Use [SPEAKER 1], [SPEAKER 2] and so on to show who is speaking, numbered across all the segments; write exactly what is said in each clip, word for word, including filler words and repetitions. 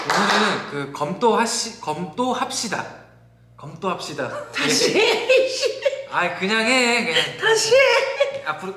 [SPEAKER 1] 오늘은 그 검도하시 검도합시다. 검도합시다.
[SPEAKER 2] 다시
[SPEAKER 1] 아 그냥 해 그냥
[SPEAKER 2] 다시
[SPEAKER 1] 앞으로.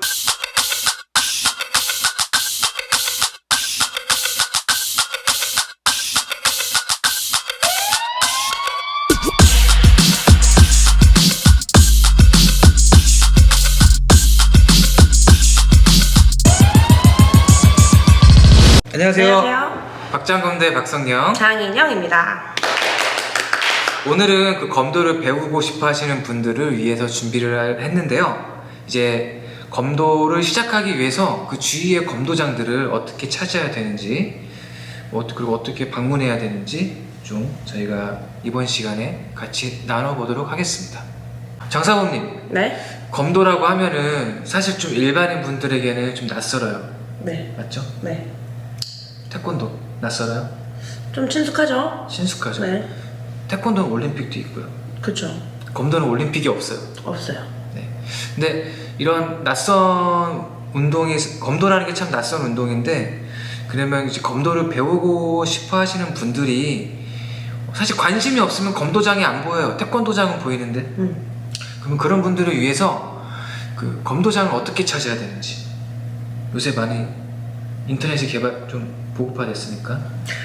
[SPEAKER 1] 안녕하세요.
[SPEAKER 2] 안녕하세요.
[SPEAKER 1] 박장검대 박성영.
[SPEAKER 2] 장인영입니다.
[SPEAKER 1] 오늘은 그 검도를 배우고 싶어 하시는 분들을 위해서 준비를 했는데요. 이제 검도를 시작하기 위해서 그 주위의 검도장들을 어떻게 찾아야 되는지, 뭐 그리고 어떻게 방문해야 되는지 좀 저희가 이번 시간에 같이 나눠보도록 하겠습니다. 장사범님,
[SPEAKER 2] 네?
[SPEAKER 1] 검도라고 하면은 사실 좀 일반인 분들에게는 좀 낯설어요.
[SPEAKER 2] 네.
[SPEAKER 1] 맞죠?
[SPEAKER 2] 네.
[SPEAKER 1] 태권도 낯설어요?
[SPEAKER 2] 좀 친숙하죠?
[SPEAKER 1] 친숙하죠?
[SPEAKER 2] 네.
[SPEAKER 1] 태권도는 올림픽도 있고요.
[SPEAKER 2] 그쵸.
[SPEAKER 1] 검도는 올림픽이 없어요.
[SPEAKER 2] 없어요.
[SPEAKER 1] 네. 근데 이런 낯선 운동이, 검도라는 게 참 낯선 운동인데, 그러면 이제 검도를 배우고 싶어 하시는 분들이 사실 관심이 없으면 검도장이 안 보여요. 태권도장은 보이는데.
[SPEAKER 2] 음.
[SPEAKER 1] 그러면 그런 분들을 위해서 그 검도장을 어떻게 찾아야 되는지, 요새 많이 인터넷이 개발 좀 보급화됐으니까.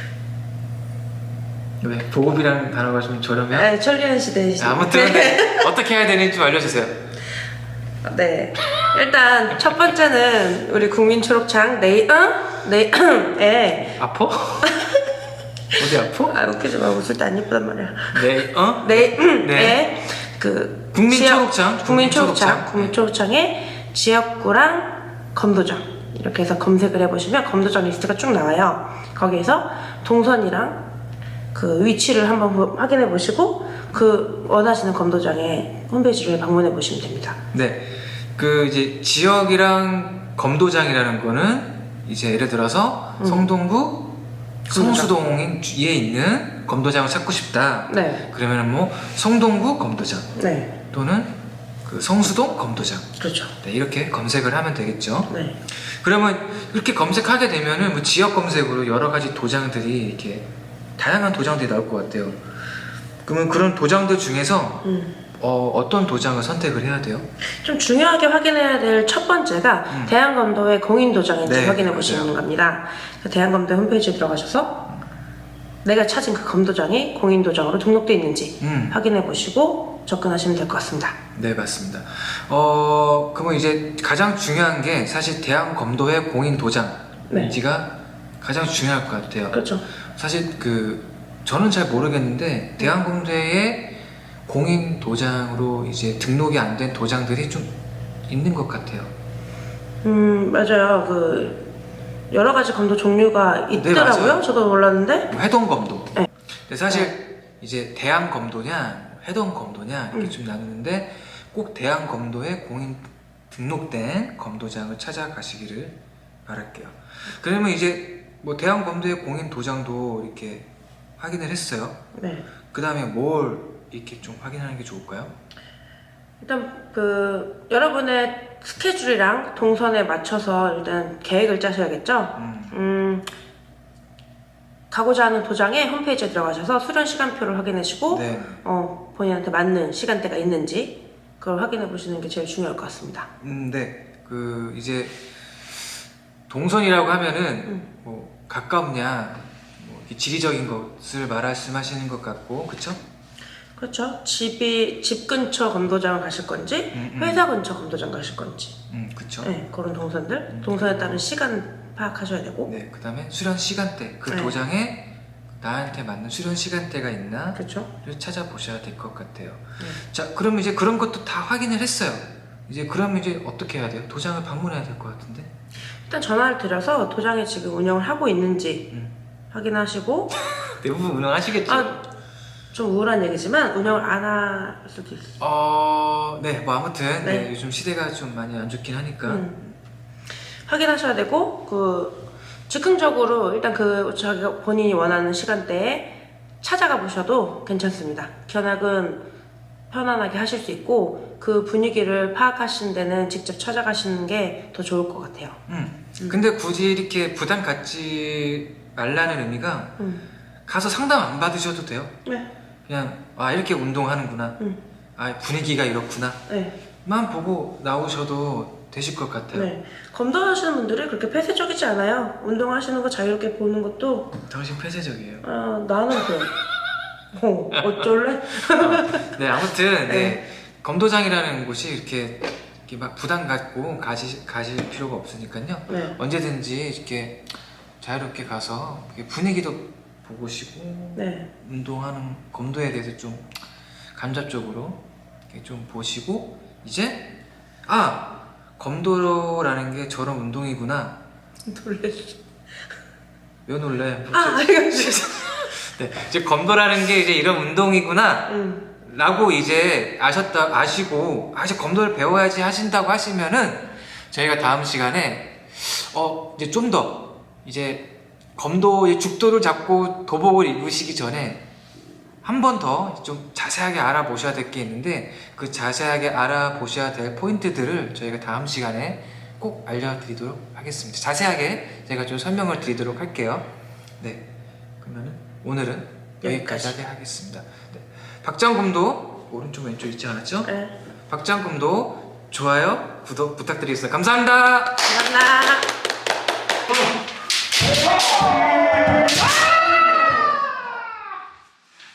[SPEAKER 1] 왜? 보급이라는 단어가 좀 저렴해요?
[SPEAKER 2] 네, 천리안 시대이시죠.
[SPEAKER 1] 아무튼 어떻게 해야 되는지 좀 알려주세요.
[SPEAKER 2] 네. 일단 첫 번째는 우리 국민 초록창 네이 응? 네에
[SPEAKER 1] 아파? 어디 아파?
[SPEAKER 2] 아 웃기지 마. 웃을 때 안 예쁘단 말이야.
[SPEAKER 1] 네, 어?
[SPEAKER 2] 네에
[SPEAKER 1] 네.
[SPEAKER 2] 그
[SPEAKER 1] 국민
[SPEAKER 2] 지역-
[SPEAKER 1] 초록창?
[SPEAKER 2] 국민
[SPEAKER 1] 국민
[SPEAKER 2] 초록창
[SPEAKER 1] 초록창.
[SPEAKER 2] 국민 초록창에 지역구랑 검도장 이렇게 해서 검색을 해보시면 검도장 리스트가 쭉 나와요. 거기에서 동선이랑 그 위치를 한번 보- 확인해 보시고 그 원하시는 검도장의 홈페이지를 방문해 보시면 됩니다.
[SPEAKER 1] 네. 그 이제 지역이랑 검도장이라는 거는 이제 예를 들어서
[SPEAKER 2] 음.
[SPEAKER 1] 성동구
[SPEAKER 2] 검도장.
[SPEAKER 1] 성수동에 있는 검도장을 찾고 싶다.
[SPEAKER 2] 네,
[SPEAKER 1] 그러면 뭐 성동구 검도장
[SPEAKER 2] 네,
[SPEAKER 1] 또는 그 성수동 검도장.
[SPEAKER 2] 그렇죠.
[SPEAKER 1] 네, 이렇게 검색을 하면 되겠죠.
[SPEAKER 2] 네,
[SPEAKER 1] 그러면 이렇게 검색하게 되면은 뭐 지역 검색으로 여러 가지 도장들이 이렇게 다양한 도장들이 나올 것 같아요. 그러면 그런 도장들 중에서
[SPEAKER 2] 음.
[SPEAKER 1] 어, 어떤 도장을 선택을 해야 돼요?
[SPEAKER 2] 좀 중요하게 확인해야 될 첫 번째가
[SPEAKER 1] 음.
[SPEAKER 2] 대한검도의 공인도장인지
[SPEAKER 1] 네,
[SPEAKER 2] 확인해 보시는
[SPEAKER 1] 맞아요.
[SPEAKER 2] 겁니다. 그 대한검도 홈페이지에 들어가셔서 내가 찾은 그 검도장이 공인도장으로 등록되어 있는지
[SPEAKER 1] 음.
[SPEAKER 2] 확인해 보시고 접근하시면 될 것 같습니다.
[SPEAKER 1] 네, 맞습니다. 어, 그러면 이제 가장 중요한 게 사실 대한검도의 공인 도장인지가 가장 중요할 것 같아요.
[SPEAKER 2] 그렇죠.
[SPEAKER 1] 사실 그 저는 잘 모르겠는데 대한검도의 공인 도장으로 이제 등록이 안 된 도장들이 좀 있는 것 같아요.
[SPEAKER 2] 음 맞아요. 그 여러 가지 검도 종류가 있더라고요.
[SPEAKER 1] 맞아요.
[SPEAKER 2] 저도 몰랐는데.
[SPEAKER 1] 회동검도.
[SPEAKER 2] 네.
[SPEAKER 1] 근데 사실 이제 대한검도냐 회동검도냐 이렇게
[SPEAKER 2] 음.
[SPEAKER 1] 좀 나누는데 꼭 대한검도에 공인 등록된 검도장을 찾아가시기를 바랄게요. 그러면 이제 뭐 대한검도의 공인 도장도 이렇게 확인을 했어요.
[SPEAKER 2] 네.
[SPEAKER 1] 그 다음에 뭘 이렇게 좀 확인하는 게 좋을까요?
[SPEAKER 2] 일단 그 여러분의 스케줄이랑 동선에 맞춰서 일단 계획을 짜셔야겠죠.
[SPEAKER 1] 음.
[SPEAKER 2] 음 가고자 하는 도장의 홈페이지에 들어가셔서 수련 시간표를 확인하시고
[SPEAKER 1] 네.
[SPEAKER 2] 어 본인한테 맞는 시간대가 있는지 그걸 확인해 보시는 게 제일 중요할 것 같습니다.
[SPEAKER 1] 음, 네. 그 이제 동선이라고 하면은
[SPEAKER 2] 음.
[SPEAKER 1] 뭐 가깝냐, 뭐 이렇게 지리적인 것을 말씀하시는 것 같고, 그쵸?
[SPEAKER 2] 그렇죠. 집이 집 근처 검도장을 가실 건지
[SPEAKER 1] 음, 음.
[SPEAKER 2] 회사 근처 검도장 가실 건지
[SPEAKER 1] 음, 그쵸?
[SPEAKER 2] 네, 그런 동선들 동선에 따른 시간 파악하셔야 되고
[SPEAKER 1] 네. 그 다음에 수련 시간대, 그
[SPEAKER 2] 네.
[SPEAKER 1] 도장에 나한테 맞는 수련 시간대가 있나를
[SPEAKER 2] 그렇죠.
[SPEAKER 1] 찾아보셔야 될 것 같아요.
[SPEAKER 2] 네.
[SPEAKER 1] 자, 그럼 이제 그런 것도 다 확인을 했어요. 이제 그러면 이제 어떻게 해야 돼요? 도장을 방문해야 될 것 같은데?
[SPEAKER 2] 일단 전화를 드려서 도장이 지금 운영을 하고 있는지
[SPEAKER 1] 음.
[SPEAKER 2] 확인하시고
[SPEAKER 1] 대부분 운영하시겠죠?
[SPEAKER 2] 아, 좀 우울한 얘기지만 운영을 안 할 수도 있어요.
[SPEAKER 1] 어, 네, 뭐 아무튼
[SPEAKER 2] 네.
[SPEAKER 1] 네, 요즘 시대가 좀 많이 안 좋긴 하니까.
[SPEAKER 2] 음. 확인하셔야 되고 그 즉흥적으로 일단 그 자기가 본인이 원하는 시간대에 찾아가 보셔도 괜찮습니다. 견학은 편안하게 하실 수 있고 그 분위기를 파악하시는 데는 직접 찾아가시는 게 더 좋을 것 같아요.
[SPEAKER 1] 음. 근데 굳이 이렇게 부담 갖지 말라는 의미가
[SPEAKER 2] 음.
[SPEAKER 1] 가서 상담 안 받으셔도 돼요.
[SPEAKER 2] 네.
[SPEAKER 1] 그냥 아 이렇게 운동하는구나.
[SPEAKER 2] 음.
[SPEAKER 1] 아 분위기가 이렇구나.
[SPEAKER 2] 네.
[SPEAKER 1] 만 보고 나오셔도 되실 것 같아요.
[SPEAKER 2] 네. 검도 하시는 분들이 그렇게 폐쇄적이지 않아요. 운동하시는 거 자유롭게 보는 것도
[SPEAKER 1] 당신 폐쇄적이에요.
[SPEAKER 2] 아 나는 그래. 어, 어쩔래?
[SPEAKER 1] 어, 네 아무튼 네,
[SPEAKER 2] 네.
[SPEAKER 1] 검도장이라는 곳이 이렇게, 이렇게 막 부담 갖고 가시, 가실 필요가 없으니까요.
[SPEAKER 2] 네.
[SPEAKER 1] 언제든지 이렇게 자유롭게 가서 이렇게 분위기도 보시고
[SPEAKER 2] 네.
[SPEAKER 1] 운동하는 검도에 대해서 좀 간접적으로 이렇게 좀 보시고 이제 아 검도라는 게 저런 운동이구나.
[SPEAKER 2] 놀랬어.
[SPEAKER 1] 왜 놀래?
[SPEAKER 2] 아, 알겠어.
[SPEAKER 1] 네, 이제 검도라는 게 이제 이런 운동이구나.
[SPEAKER 2] 응.
[SPEAKER 1] 라고 이제 아셨다 아시고 아 이제 검도를 배워야지 하신다고 하시면은 저희가 다음 시간에 어 이제 좀 더 이제 검도의 죽도를 잡고 도복을 입으시기 전에 한 번 더 좀 자세하게 알아보셔야 될 게 있는데 그 자세하게 알아보셔야 될 포인트들을 저희가 다음 시간에 꼭 알려드리도록 하겠습니다. 자세하게 제가 좀 설명을 드리도록 할게요. 네, 그러면은 오늘은 여기까지
[SPEAKER 2] 여기까지.
[SPEAKER 1] 하게 하겠습니다. 네. 박장검도 오른쪽 왼쪽 있지 않았죠?
[SPEAKER 2] 네.
[SPEAKER 1] 박장검도 좋아요, 구독 부탁드리겠습니다. 감사합니다.
[SPEAKER 2] 감사합니다.